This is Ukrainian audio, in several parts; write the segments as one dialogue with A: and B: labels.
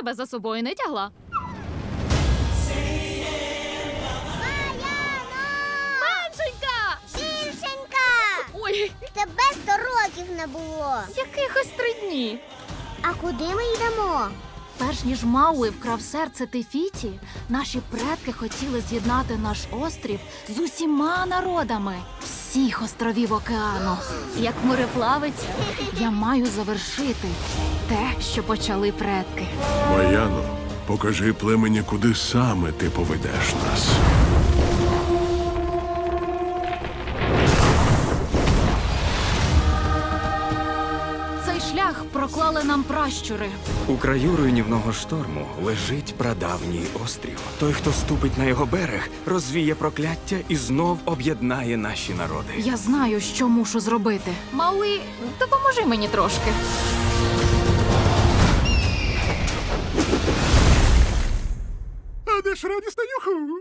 A: тебе за собою не тягла. Меншенька!
B: Більшенька!
A: Ой,
B: Тебе 100 років не було.
A: якихось 3 дні.
B: А куди ми йдемо?
A: Перш ніж Мауи вкрав серце Тефіті, наші предки хотіли з'єднати наш острів з усіма народами всіх островів океану. Як мореплавець, я маю завершити те, що почали предки.
C: Маяно, покажи племені, куди саме ти поведеш нас.
A: Цей шлях проклали нам пращури.
D: У краю руйнівного шторму лежить прадавній острів. Той, хто ступить на його берег, розвіє прокляття і знов об'єднає наші народи.
A: Я знаю, що мушу зробити. Мауи, допоможи мені трошки.
C: А де ж радісна юху?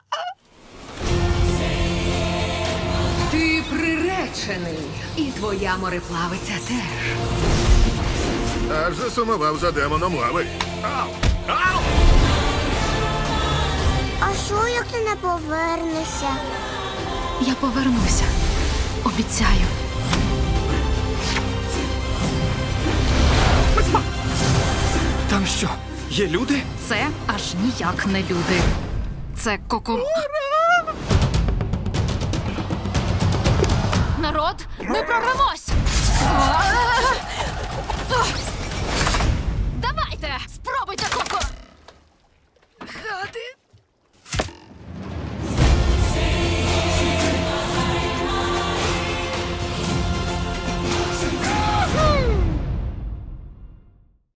E: Ти приречений, і твоя мореплавиця теж.
C: Аж засумував за демоном лави. Ау! Ау!
B: А що, як ти не повернешся?
A: Я повернуся. Обіцяю.
D: Там що, є люди?
A: Це аж ніяк не люди. Це Народ, ми прорвемось! Давайте! Спробуйте,